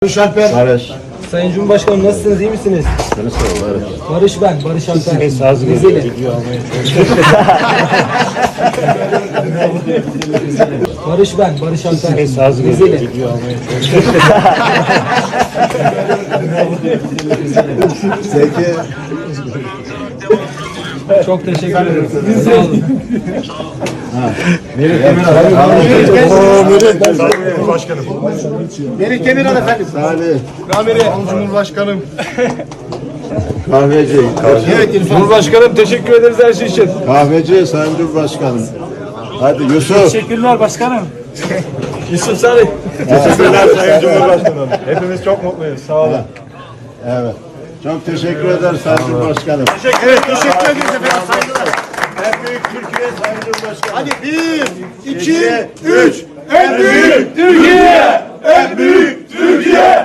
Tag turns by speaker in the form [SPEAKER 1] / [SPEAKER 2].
[SPEAKER 1] Barış Alper.
[SPEAKER 2] Barış.
[SPEAKER 3] Sayın Cumhurbaşkanım nasılsınız, iyi misiniz?
[SPEAKER 2] Seni sor Barış.
[SPEAKER 3] Barış ben, Barış Alper.
[SPEAKER 2] Saz
[SPEAKER 3] Rizeli. Barış ben, Barış Alper.
[SPEAKER 2] Saz
[SPEAKER 3] Rizeli.
[SPEAKER 1] Zeki.
[SPEAKER 3] Çok teşekkür ederim. Sağ olun.
[SPEAKER 1] Başkanım. Melih Demirel efendim.
[SPEAKER 2] Salih.
[SPEAKER 1] Ramiri. Cumhurbaşkanım.
[SPEAKER 2] Kahveci.
[SPEAKER 1] Evet İrfan.
[SPEAKER 4] Cumhurbaşkanım teşekkür ederiz her şey için.
[SPEAKER 2] Kahveci Sayın Cumhurbaşkanım. Hadi Yusuf.
[SPEAKER 4] Teşekkürler başkanım. Yusuf Salih.
[SPEAKER 2] Teşekkürler Sayın Cumhurbaşkanım.
[SPEAKER 4] Hepimiz çok mutluyuz. Sağ olun.
[SPEAKER 2] Evet. Çok teşekkür ederiz Sayın Cumhurbaşkanım.
[SPEAKER 1] Evet teşekkür ederiz efendim. Saygılar.
[SPEAKER 2] En büyük Türkiye Sayın Cumhurbaşkanım.
[SPEAKER 1] Hadi 1, 2, 3. En büyük
[SPEAKER 4] Türkiye! En büyük Türkiye!